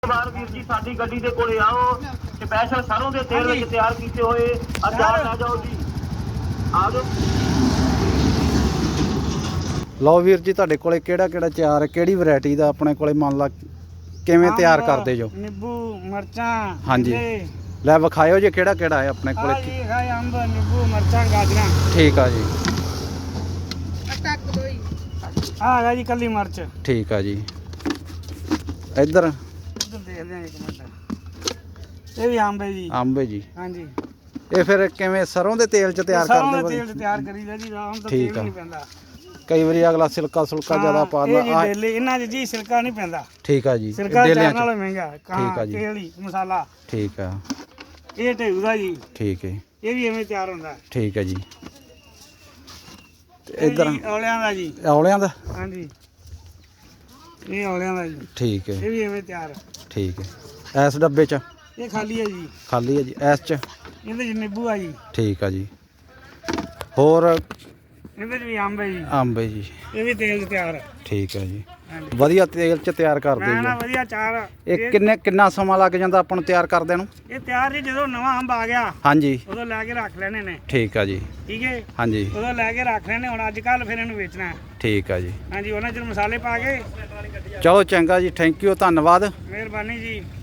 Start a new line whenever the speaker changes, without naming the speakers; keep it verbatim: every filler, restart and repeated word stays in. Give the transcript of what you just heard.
ਬਾਰ ਵੀਰ ਜੀ ਸਾਡੀ ਗੱਡੀ ਦੇ ਕੋਲੇ ਆਓ ਸਪੈਸ਼ਲ ਸਰੋਂ ਦੇ ਤੇਲ ਵਿੱਚ ਤਿਆਰ ਕੀਤੇ ਹੋਏ ਅਚਾਰ ਲੈ ਜਾਓ ਜੀ। ਆ ਜਾਓ।
ਲਓ ਵੀਰ ਜੀ ਤੁਹਾਡੇ ਕੋਲੇ ਕਿਹੜਾ ਕਿਹੜਾ ਅਚਾਰ ਹੈ, ਕਿਹੜੀ ਵੈਰਾਈਟੀ ਦਾ ਆਪਣੇ ਕੋਲੇ ਮੰਨ ਲਾ ਕਿਵੇਂ ਤਿਆਰ ਕਰਦੇ ਜੋ?
ਨਿੰਬੂ ਮਿਰਚਾਂ
ਹਾਂਜੀ ਲੈ ਵਿਖਾਇਓ ਜੇ ਕਿਹੜਾ ਕਿਹੜਾ ਹੈ ਆਪਣੇ ਕੋਲੇ।
ਜੀ ਹੈ ਅੰਬ ਨਿੰਬੂ ਮਿਰਚਾਂ ਗਾਜਰਾਂ।
ਠੀਕ ਆ ਜੀ।
ਆ ਹੈਗਾ ਜੀ ਕੱਲੀ ਮਿਰਚ।
ਠੀਕ ਆ ਜੀ। ਇੱਧਰ
ਇੱਧਰ ਦੇਖਦੇ ਹਾਂ ਇੱਕ ਮਿੰਟ। ਇਹ ਵੀ ਅੰਬ ਹੈ ਜੀ।
ਅੰਬ ਹੈ ਜੀ।
ਹਾਂਜੀ
ਇਹ ਫਿਰ ਕਿਵੇਂ ਸਰੋਂ ਦੇ ਤੇਲ 'ਚ ਤਿਆਰ
ਸਰੋਂ
ਕਰਦੇ?
ਦੇ ਤੇਲ 'ਚ ਤਿਆਰ ਕਰੀਦਾ ਜੀ। ਆਮ ਤਾਂ
ਠੀਕ
ਤੇਲ
ਆ।
ਨਹੀਂ ਪੈਂਦਾ।
ਕਈ ਵਾਰੀ ਅਗਲਾ ਸਿਲਕਾ ਸੁਲਕਾ ਜ਼ਿਆਦਾ ਪਾ
ਇਹ ਜੀ
ਦਿੰਦਾ।
ਡੇਲੇ ਇਹਨਾਂ 'ਚ ਜੀ ਸਿਰਕਾ ਨਹੀਂ ਪੈਂਦਾ।
ਠੀਕ ਆ ਜੀ।
ਸਿਰਕਾ
ਡੇਲਿਆਂ
ਚਾਰ ਨਾਲੋਂ ਮਹਿੰਗਾ।
ਠੀਕ ਆ ਜੀ।
ਤੇਲ ਹੀ ਮਸਾਲਾ।
ਠੀਕ ਆ।
ਇਹ ਢੇਊ ਦਾ ਜੀ।
ਠੀਕ ਹੈ।
ਇਹ ਵੀ ਐਵੇਂ ਤਿਆਰ ਹੁੰਦਾ।
ਠੀਕ ਹੈ ਜੀ।
ਇਹ
ਇੱਧਰ
ਜੀ ਔਲਿਆਂ ਦਾ ਜੀ।
ਔਲਿਆਂ ਦਾ।
ਹਾਂਜੀ ਇਹ ਔਲਿਆਂ ਦਾ ਜੀ।
ਠੀਕ ਹੈ।
ਇਹ ਵੀ ਐਵੇਂ ਤਿਆਰ।
ਠੀਕ ਹੈ। ਇਸ ਡੱਬੇ 'ਚ
ਇਹ ਖਾਲੀ ਹੈ ਜੀ।
ਖਾਲੀ ਹੈ ਜੀ। ਇਸ 'ਚ
ਇਹਦੇ 'ਚ ਨਿੰਬੂ ਆ ਜੀ।
ਠੀਕ ਆ ਜੀ। ਹੋਰ
ਇਹਦੇ 'ਚ ਵੀ ਅੰਬ ਹੈ ਜੀ।
ਅੰਬ ਹੈ ਜੀ।
ਇਹ ਵੀ ਤੇਲ 'ਚ ਤਿਆਰ ਹੈ।
ਠੀਕ ਹੈ ਜੀ।
ਹਾਂਜੀ
ਵਧੀਆ ਤੇਲ 'ਚ ਤਿਆਰ ਕਰਦੇ
ਮੈਂ ਨਾ
ਜੀ।
ਵਧੀਆ ਚਾਰ।
ਇਹ ਕਿੰਨੇ ਕਿੰਨਾ ਸਮਾਂ ਲੱਗ ਜਾਂਦਾ ਆਪਾਂ ਨੂੰ ਤਿਆਰ ਕਰਦਿਆਂ ਨੂੰ?
ਇਹ ਤਿਆਰ ਜੀ ਜਦੋਂ ਨਵਾਂ ਅੰਬ ਆ ਗਿਆ
ਹਾਂਜੀ
ਉਦੋਂ ਲੈ ਕੇ ਰੱਖ ਲੈਣੇ ਨੇ।
ਠੀਕ ਆ ਜੀ।
ਠੀਕ ਹੈ
ਹਾਂਜੀ
ਉਦੋਂ ਲੈ ਕੇ ਰੱਖ ਲੈਣੇ। ਹੁਣ ਅੱਜ ਕੱਲ ਫਿਰ ਇਹਨੂੰ ਵੇਚਣਾ ਹੈ।
ਠੀਕ ਆ ਜੀ।
ਹਾਂਜੀ ਉਹਨਾਂ ਚ ਮਸਾਲੇ ਪਾ ਕੇ।
ਚਲੋ ਚੰਗਾ ਜੀ। Thank you. ਧੰਨਵਾਦ।
ਮਿਹਰਬਾਨੀ ਜੀ।